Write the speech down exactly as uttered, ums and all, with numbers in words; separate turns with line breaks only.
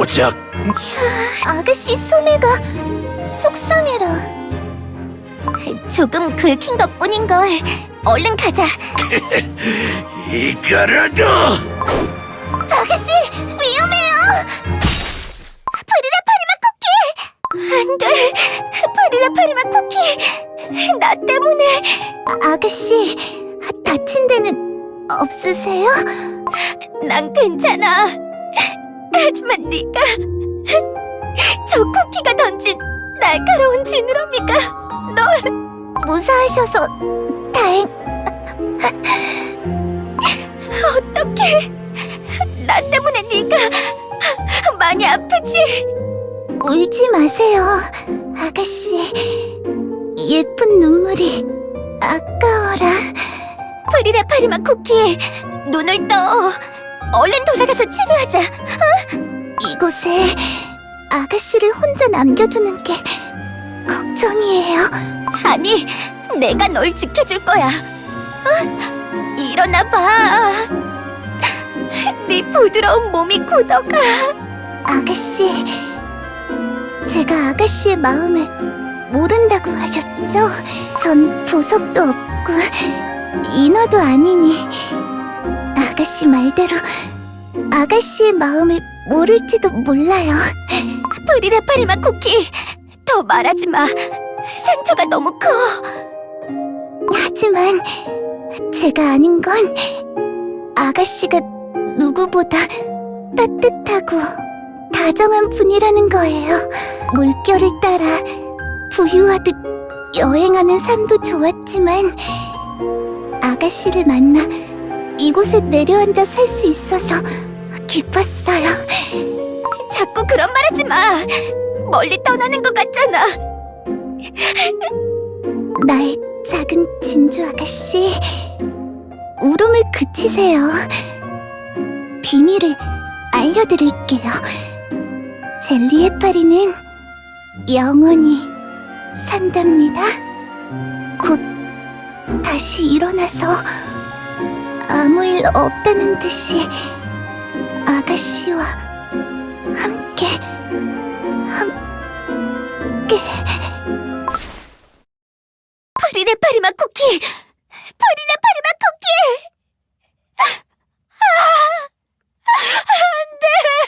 가자.
아가씨 소매가 속상해라. 조금 긁힌 것뿐인걸. 얼른 가자.
이거라도.
아가씨, 위험해요. 프리라 파리마 쿠키. 안 돼. 프리라 파리마 쿠키. 나 때문에. 아, 아가씨, 다친 데는 없으세요? 난 괜찮아. 하지만 네가 저 쿠키가 던진 날카로운 지느러미가 널 무사하셔서 다행. 어떡해. 나 때문에 네가 많이 아프지? 울지 마세요, 아가씨. 예쁜 눈물이 아까워라. 프리라 파리마 쿠키, 눈을 떠. 얼른 돌아가서 치료하자. 어? 이곳에 아가씨를 혼자 남겨두는 게 걱정이에요. 아니, 내가 널 지켜줄 거야. 어? 일어나봐. 네 부드러운 몸이 굳어가. 아가씨, 제가 아가씨의 마음을 모른다고 하셨죠? 전 보석도 없고 인어도 아니니 아가씨 말대로 아가씨의 마음을 모를지도 몰라요. 프리라 파리마 쿠키, 더 말하지 마. 상처가 너무 커. 하지만 제가 아는 건 아가씨가 누구보다 따뜻하고 다정한 분이라는 거예요. 물결을 따라 부유하듯 여행하는 삶도 좋았지만 아가씨를 만나 이곳에 내려앉아 살 수 있어서 기뻤어요. 자꾸 그런 말 하지 마. 멀리 떠나는 것 같잖아. 나의 작은 진주 아가씨, 울음을 그치세요. 비밀을 알려드릴게요. 젤리 해파리는 영원히 산답니다. 곧 다시 일어나서 아무 일 없다는 듯이 아가씨와 함께 함께. 프리라 파리마 쿠키, 프리라 파리마 쿠키. 아, 안 돼.